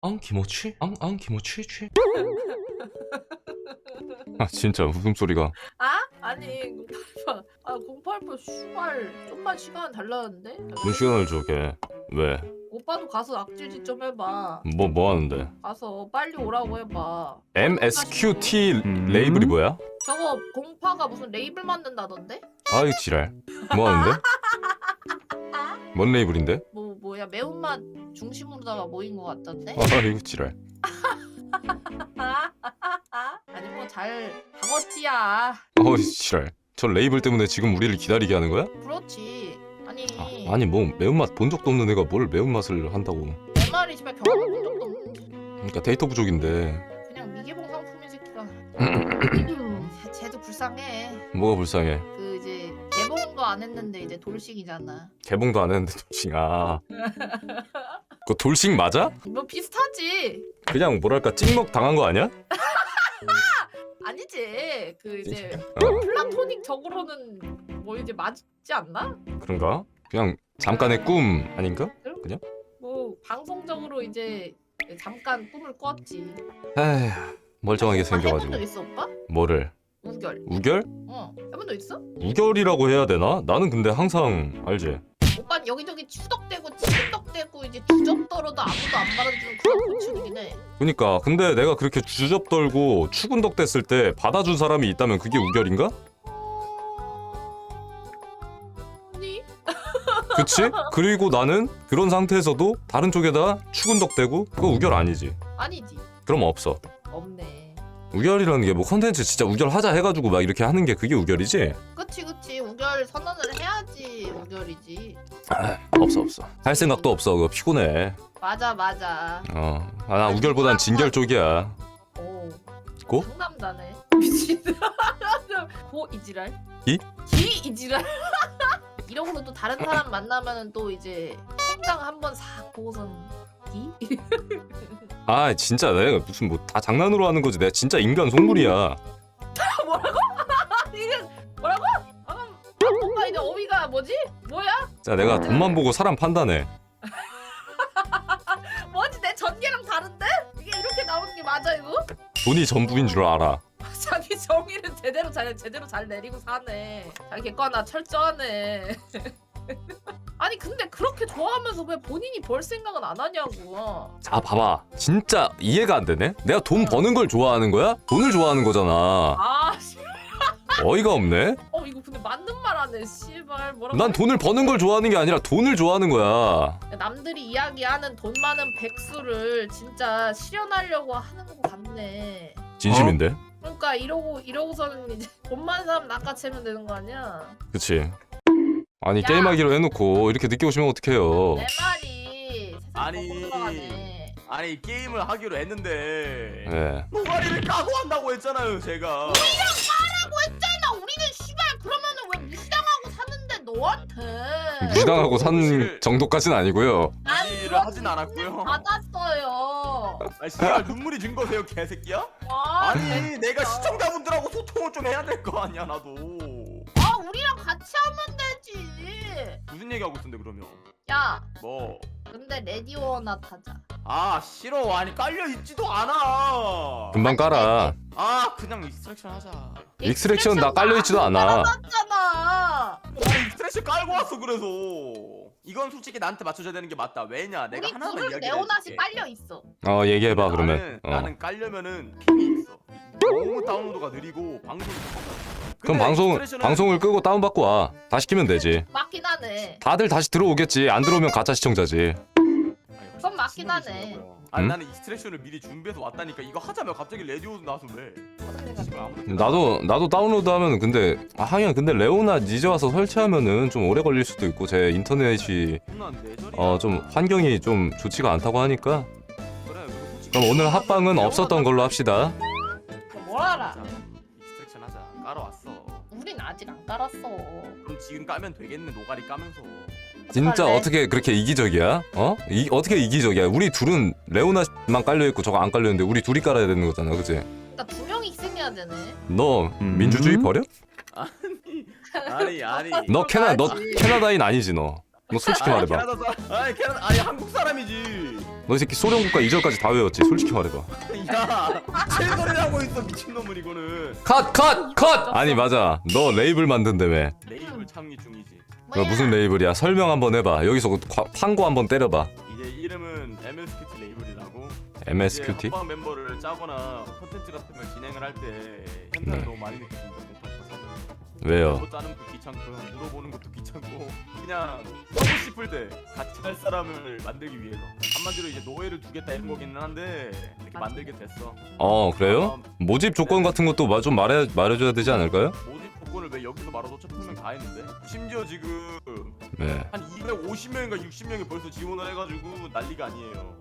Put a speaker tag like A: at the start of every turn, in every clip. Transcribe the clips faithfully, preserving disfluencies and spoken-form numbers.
A: 앙 기모치? 앙 앙 기모치 취? 아 진짜 웃음소리가.
B: 아? 아니 공팔팔 아 공팔팔 슈발 좀만 시간 달라는데?
A: 뭔 시간을 줘 걔. 왜?
B: 오빠도 가서 악질짓 좀 해봐.
A: 뭐 뭐 하는데?
B: 가서 빨리 오라고 해봐.
A: 엠에스큐티 레이블이 뭐야?
B: 저거 공파가 무슨 레이블 만든다던데?
A: 아이 지랄. 뭐 하는데? 뭔 레이블인데?
B: 뭐 뭐야 매운맛 중심으로다가 모인 것 같던데?
A: 아 이거 지랄.
B: 아니 뭐 잘 박었지야.
A: 어이 지랄. 저 레이블 때문에 지금 우리를 기다리게 하는 거야?
B: 그렇지. 아니
A: 아, 아니 뭐 매운맛 본 적도 없는 애가 뭘 매운맛을 한다고.
B: 내 말이 집에 경험한 적도 없는데
A: 그러니까 데이터 부족인데.
B: 그냥 미개봉 상품이 새끼가. 쟤도 불쌍해.
A: 뭐가 불쌍해?
B: 그 이제 개봉도 안 했는데 이제 돌싱이잖아.
A: 개봉도 안 했는데 돌싱. 아 그거 돌싱 맞아?
B: 뭐 비슷하지.
A: 그냥 뭐랄까 찍먹 당한 거 아니야?
B: 아니지. 그 이제
A: 어
B: 플라토닉적으로는 뭐 이제 맞지 않나?
A: 그런가? 그냥 잠깐의 꿈 아닌가?
B: 뭐 방송적으로 이제 잠깐 꿈을 꿨지.
A: 에휴 멀쩡하게
B: 해본 적
A: 생겨가지고.
B: 있어 오빠?
A: 뭐를?
B: 우결.
A: 우결?
B: 어. 해본 적 있어?
A: 우결이라고 해야 되나? 나는 근데 항상 알지.
B: 오빠는 여기저기 추덕대고 치덕대고 이제 주접 떨어도 아무도 안 받아주는 그런 고충이긴 해.
A: 그니까 근데 내가 그렇게 주접 떨고 추근덕 됐을 때 받아준 사람이 있다면 그게 우결인가?
B: 아니?
A: 그치? 그리고 나는 그런 상태에서도 다른 쪽에다 추근덕대고 그거 우결 아니지.
B: 아니지.
A: 그럼 없어.
B: 없네.
A: 우결이라는 게 뭐 컨텐츠 진짜 우결하자 해가지고 막 이렇게 하는 게 그게 우결이지?
B: 그치 그치 우결 선언을 해야지 우결이지.
A: 아, 없어 없어. 할 생각도 없어. 그거 피곤해.
B: 맞아 맞아.
A: 어, 아, 나 우결보단 진결 쪽이야.
B: 오.
A: 고?
B: 상남자네. 미친. 고 이지랄?
A: 기?
B: 기 이지랄. 이러고는 또 다른 사람 만나면은 또 이제 통장 한번 싹 보고선 기?
A: 아 진짜 내가 무슨 뭐 다 장난으로 하는 거지. 내가 진짜 인간 속물이야.
B: 뭐라고? 이게 뭐라고? 방금 오빠 이제 어휘가 뭐지? 뭐야?
A: 자 내가 돈만 보고 사람 판단해.
B: 뭐지 내 전개랑 다른데? 이게 이렇게 나오는 게 맞아 이거?
A: 돈이 전부인 줄 알아.
B: 자기 정의는 제대로 잘 제대로 잘 내리고 사네. 자기 객관화 철저하네. 아니 근데 그렇게 좋아하면서 왜 본인이 벌 생각은 안 하냐고.
A: 자 봐봐. 진짜 이해가 안 되네. 내가 돈 버는 걸 좋아하는 거야? 돈을 좋아하는 거잖아.
B: 아, 씨.
A: 어이가 없네.
B: 어 이거 근데 맞는 말 하네. 씨발 뭐라고?
A: 난 돈을 버는 걸 좋아하는 게 아니라 돈을 좋아하는 거야.
B: 남들이 이야기하는 돈 많은 백수를 진짜 실현하려고 하는 것 같네.
A: 진심인데?
B: 그러니까 이러고 이러고서는 이제 돈 많은 사람 낚아채면 되는 거 아니야?
A: 그치. 아니
B: 야.
A: 게임하기로 해놓고 이렇게 늦게 오시면 어떡해요.
B: 내 말이 세상
C: 아니.
B: 거꾸로 들어가네.
C: 아니 게임을 하기로 했는데
A: 네.
C: 노가리를 까고 한다고 했잖아요 제가.
B: 나 우리는 씨발 그러면은 왜 무시당하고 사는데 너한테
A: 무시당하고 산 정도까지는 아니고요.
B: 난
C: 무시를
B: 그런
C: 하진 않았고요.
B: 받았어요.
C: 아 씨발 눈물이 준 거세요 개새끼야?
B: 아,
C: 아니 내가 시청자분들하고 소통을 좀 해야 될 거 아니야 나도.
B: 아 우리랑 같이 하면 되지.
C: 무슨 얘기하고 있었는데 그러면?
B: 야
C: 뭐?
B: 근데 레디오나 타자.
C: 아 싫어. 아니 깔려 있지도 않아.
A: 금방 깔아.
C: 아 그냥 익스트랙션 하자.
A: 익스트랙션 나 깔려있지도 않아.
B: 깔아놨잖아.
C: 아니 익스트랙션 깔고 왔어 그래서. 이건 솔직히 나한테 맞춰줘야 되는 게 맞다. 왜냐? 내가
B: 우리
C: 하나만
B: 둘은
C: 이야기를
B: 레오나시
C: 해줄게.
B: 빨려 있어.
A: 어 얘기해봐 그러면.
C: 나는,
A: 어.
C: 나는 깔려면은 핑이 있어. 너무 다운로드가 느리고 방송이
A: 그럼 방송 방송을 끄고 다운 받고 와. 다시 키면 되지.
B: 맞긴 하네.
A: 다들 다시 들어오겠지. 안 들어오면 가짜 시청자지.
B: 그건 맞긴 하네.
C: 아니
A: 음?
C: 나는 익스트랙션을 미리 준비해서 왔다니까. 이거 하자며 갑자기 레디오 나와서 왜? 씨발, 아무도 생각 안
A: 나도 나도 다운로드 하면 근데 아 하긴 근데 레오나 이제 와서 설치하면은 좀 오래 걸릴 수도 있고 제 인터넷이
C: 해. 내 자리야.
A: 어 좀 환경이 좀 좋지가 않다고 하니까
C: 그래, 그리고 솔직히
A: 그럼 오늘
C: 레오나
A: 합방은
C: 레오나
A: 없었던 걸로 합시다.
B: 뭘 알아?
C: 하자. 익스트랙션 하자. 깔아왔어.
B: 우린 아직 안 깔았어.
C: 그럼 지금 까면 되겠네. 노가리 까면서.
A: 진짜
B: 깔래?
A: 어떻게 그렇게 이기적이야? 어? 이 어떻게 이기적이야? 우리 둘은 레오나만 깔려 있고 저거 안 깔려 있는데 우리 둘이 깔아야 되는 거잖아, 그치?
B: 그러니까 두 명이 희생해야 되네.
A: 너
C: 음.
A: 민주주의 버려?
C: 아니 아니 아니.
A: 너 캐나 너
B: 맞지.
A: 캐나다인 아니지 너. 너 솔직히
C: 아니,
A: 말해봐.
C: 캐나다 사람 아니 캐나다 아니 한국 사람이지.
A: 너 이 새끼 소련 국가 이전까지 다 외웠지. 솔직히 말해봐.
C: 야 실거리를 하고 있어 미친놈은 이거는.
A: 컷! 컷! 컷! 아니 맞아. 너 레이블 만든다며.
C: 레이블 창립 중이지.
A: 그 무슨 레이블이야? 설명 한번 해봐. 여기서 그 과- 판고 한번 때려봐.
C: 이제 이름은 엠에스큐티 레이블이라고.
A: 엠에스큐티?
C: 합방 멤버를 짜거나 컨텐츠 같은 걸 진행을 할 때 현타를
A: 네.
C: 너무 많이 느끼는데 공파리파 사전.
A: 왜요?
C: 멤버 짜는 것도 귀찮고 물어보는 것도 귀찮고 그냥 하고 싶을 때 같이 할 사람을 만들기 위해서 한마디로 이제 노예를 두겠다 이런 거기는 한데 이렇게 만들게 됐어.
A: 어 그래요? 모집 조건 같은 것도 마- 좀 말해 말해줘야 되지 않을까요?
C: 모집 조건을 왜 여기서 말아서 어차피 분명 다 했는데 심지어 지금
A: 네.
C: 한 이백오십 명인가 육십 명이 벌써 지원을 해가지고 난리가 아니에요.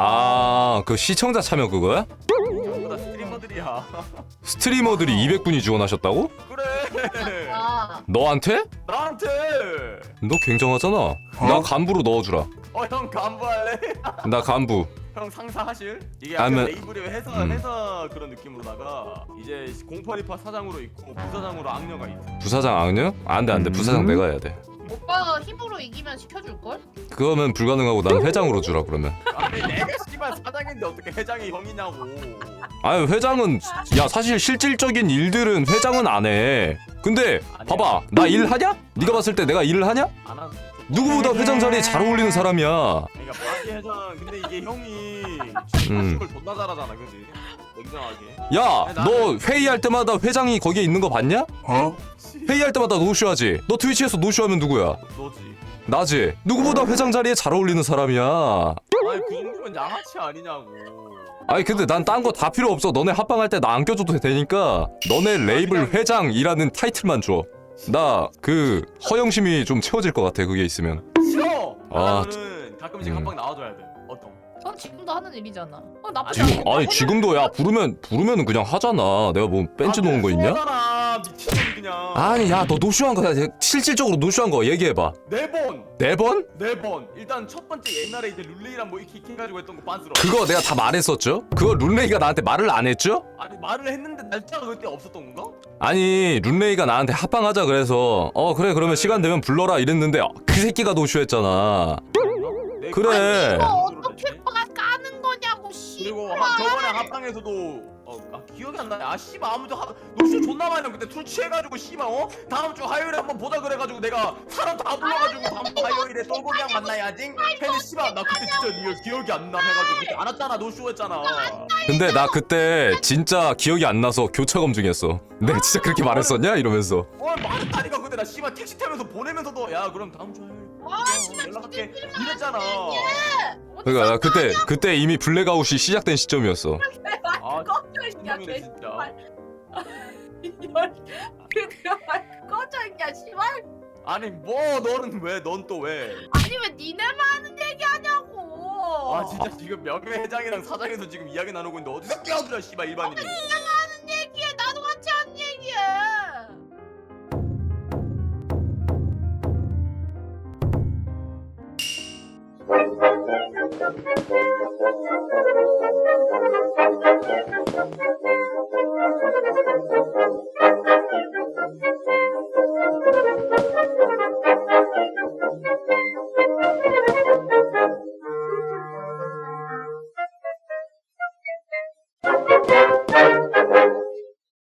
A: 아 그 시청자 참여 그거야?
C: 전부 다 스트리머들이야.
A: 스트리머들이 이백 분이 지원하셨다고?
C: 그래.
B: 아,
A: 너한테?
C: 나한테.
A: 너 굉장하잖아. 나 간부로 넣어주라.
C: 어 형 간부할래?
A: 나 간부.
C: 형 상사하실? 이게 약간
A: 아니면-
C: 레이블의 회사
A: 음.
C: 회사 그런 느낌으로다가 이제 공팔이파 사장으로 있고 부사장으로 악녀가 있어.
A: 부사장 악녀? 안돼 안돼. 부사장 내가 해야 돼.
B: 오빠가 힘으로 이기면 시켜줄걸?
A: 그거면 불가능하고 난 회장으로 주라 그러면.
C: 아니 내가 씨발 사장인데 어떻게 회장이 형이냐고.
A: 아니 회장은 야 사실 실질적인 일들은 회장은 안 해. 근데 봐봐 나 일하냐? 네가 봤을 때 내가 일을 하냐?
C: 안 하는.
A: 누구보다 회장 자리에 잘 어울리는 사람이야.
C: 그러니까 바지 회장 근데 이게 형이
A: 음.
C: 걸 존나 잘하잖아, 그지? 냉정하게.
A: 야 너 회의할 때마다 회장이 거기에 있는 거 봤냐?
C: 어?
A: 회의할 때마다 노쇼하지. 너 트위치에서 노쇼하면 누구야?
C: 너지.
A: 나지. 누구보다 회장 자리에 잘 어울리는 사람이야.
C: 아니 그 정도면 양아치 아니냐고.
A: 아니 근데 난 딴 거 다 필요 없어. 너네 합방할 때 나 안 껴줘도 되니까 너네 레이블 회장이라는 타이틀만 줘. 나 그 허영심이 좀 채워질 것 같아 그게 있으면.
C: 싫어.
A: 아,
C: 나는 가끔씩
A: 음.
C: 한방 나와줘야 돼. 어떤?
B: 전 지금도 하는 일이잖아. 어, 나쁘지
A: 지금
B: 않아.
A: 아니 지금도 야 부르면 부르면은 그냥 하잖아. 내가 뭐 벤치 놓은 거 있냐?
C: 아 미친놈이 그냥.
A: 아니 야 너 노쇼한 거야. 실질적으로 노쇼한 거 얘기해봐.
C: 네 번.
A: 네 번?
C: 네 번. 일단 첫 번째 옛날에 이제 룰레이랑 뭐 이렇게 해가지고 했던 거 빤스러.
A: 그거 내가 다 말했었죠? 그거 룬레이가 나한테 말을 안 했죠?
C: 아니 말을 했는데 날짜가 그때 없었던 건가?
A: 아니 룬레이가 나한테 합방하자 그래서 어 그래 그러면 시간 되면 불러라 이랬는데 어, 그 새끼가 노쇼했잖아.
C: 네,
A: 그래.
B: 이거 어떻게 빠 까는 거냐고 씨.
C: 그리고 하, 저번에 합방에서도 어, 아, 기억이 안 나네. 아 씨발 아무도 하, 노쇼 존나 많이 하고 그때 술 취해가지고 씨발 어? 다음 주 화요일에 한번 보자 그래가지고 내가 사람 다 불러가지고 다음 주 화요일에 똘고기랑 만나야지. 근데 씨발 나 그때 진짜 리얼 기억이 안 나 해가지고 그때 안 왔잖아 노쇼했잖아.
A: 근데 나 그때 진짜 기억이 안 나서 교차 검증했어. 내가 진짜 그렇게 말했었냐? 이러면서.
C: 어 말했다니까 근데 나 씨발 택시 타면서 보내면서도 야 그럼 다음 주 화요일
B: 아,
C: 어, 연락할게 이랬잖아.
A: 그러니까 나 그때 그때 이미 블랙아웃이 시작된 시점이었어.
C: 아
B: 꺼져 있냐
C: 분명이네 진짜.
B: 그거 꺼져 있냐 씨발.
C: 아니 뭐 너는 왜 넌 또 왜?
B: 아니 왜 니네만 하는 얘기하냐고.
C: 아 진짜 지금 명예회장이랑 사장에서 지금 이야기 나누고 있는데 어디서 끼어들어 씨발 일반인이.
B: 하는 얘기해. 나도 같이 하는 얘기해.
D: Thank you.